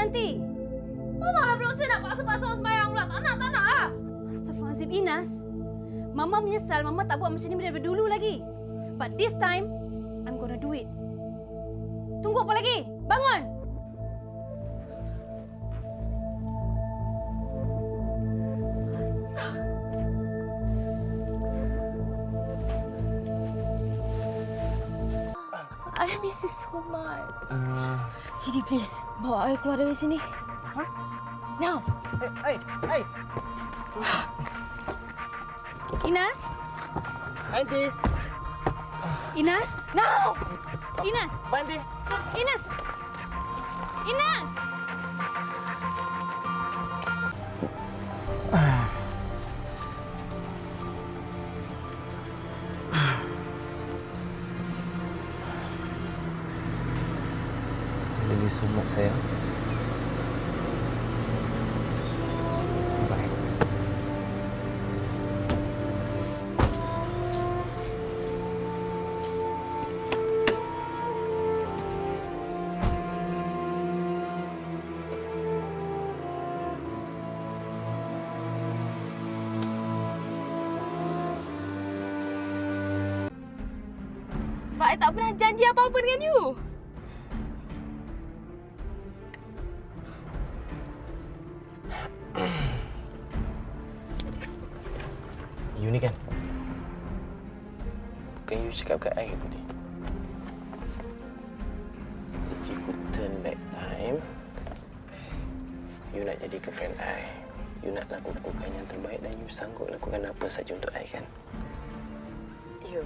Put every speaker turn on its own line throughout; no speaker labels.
nanti.
Mama lah berdosa nak paksa-paksa orang sembahyang pula. Tak nak lah.
Astaghfirullahaladzim, Inas. Mama menyesal Mama tak buat macam ni daripada dulu lagi. But this time, I'm gonna do it. Tunggu apa lagi? Bangun!
I miss you so much. Jadi please, bawa I keluar dari sini.
Huh?
Now.
Hey!
Inas?
Aunty!
Inas?
Now!
Inas?
Aunty!
Inas! Inas!
Lagi sumak saya. Bye.
Sebab I tak pernah janji apa-apa dengan you.
You ni kan? Bukan you cakap kat I tadi. If you could turn back time, you nak jadi girlfriend I. You nak lakukan yang terbaik dan you sanggup lakukan apa saja untuk I kan?
You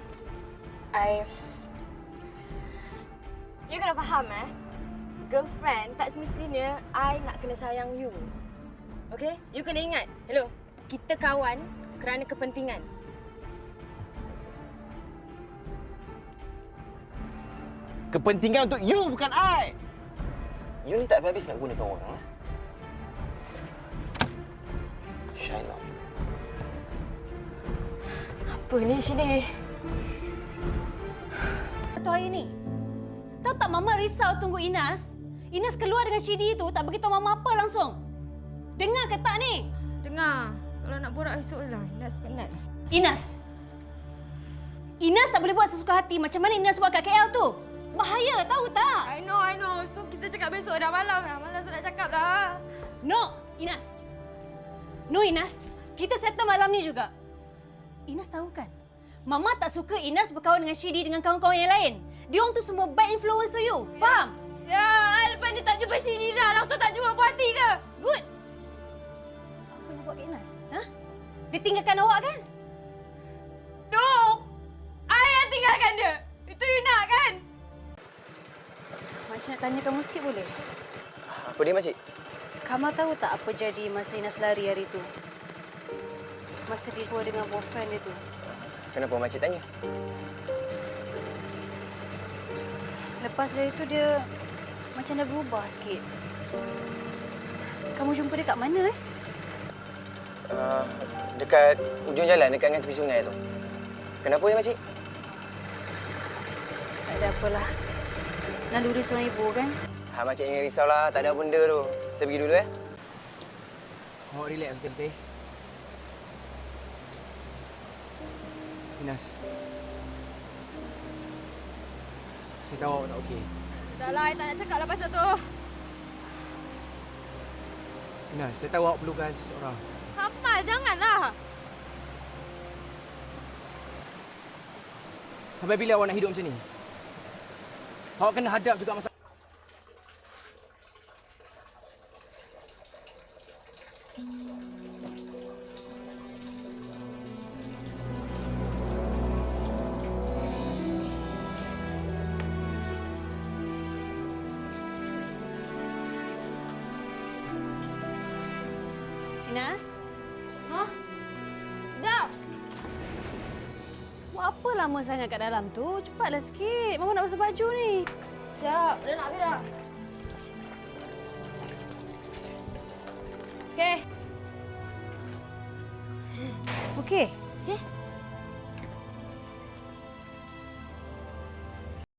kena faham girlfriend tak semestinya I nak kena sayang you. Okay? You kena ingat. Hello. Kita kawan kerana kepentingan.
Kepentingan untuk you, bukan I! You ni tak habis nak gunakan orang, Shiloh.
Apa ni sini?
Atau hari ni? Tahu tak Mama risau tunggu Inas? Inas keluar dengan Shidi tu tak beritahu Mama apa langsung. Dengar ke tak ni?
Dengar. Kalau nak borak esok lah. Inas penat.
Inas! Inas tak boleh buat sesuka hati macam mana Inas buat kat KL tu. Bahaya, tahu tak?
I know. So, kita cakap besok dah malam dah. Malas nak cakap dah.
No, Inas. No, Inas. Kita settle malam ni juga. Inas tahu kan? Mama tak suka Inas berkawan dengan Shidi dengan kawan-kawan yang lain. Dia orang tu semua bad influence to you.
Ya.
Faham?
Ya, lepas ni tak jumpa sini dah. Langsung tak jumpa puas hati ke?
Good. Apa nak buat kat Inas? Ha? Dia tinggalkan awak kan?
No! I yang tinggalkan dia. Itu you nak kan?
Makcik nak tanya kamu sikit boleh?
Apa dia, makcik?
Kamu tahu tak apa jadi masa Inas lari hari tu? Masa dia keluar dengan boyfriend dia tu.
Kenapa makcik tanya?
Lepas dari itu dia macam dah berubah sikit. Kamu jumpa dia kat mana
Dekat ujung jalan, dekat dengan tepi sungai tu. Kenapa dia, makcik?
Tak ada apalah. Naluri seorang ibu kan?
Makcik jangan risaulah. Tak ada benda tu. Saya pergi dulu, Awak relax betul-betul. Inas. Saya tahu awak tak okey.
Dah lah, I tak nak cakap lah pasal tu.
Inas, saya tahu awak perlukan seseorang.
Apa? Janganlah.
Sampai bila awak nak hidup macam ni? Awak kena hadap juga masalah.
Inas?
Hah? Jap!
Buat apa lama sangat kat dalam tu? Cepatlah sikit. Mama nak basuh baju ni.
Jap, dah nak habis dah. Okey.
Okey.
Okey?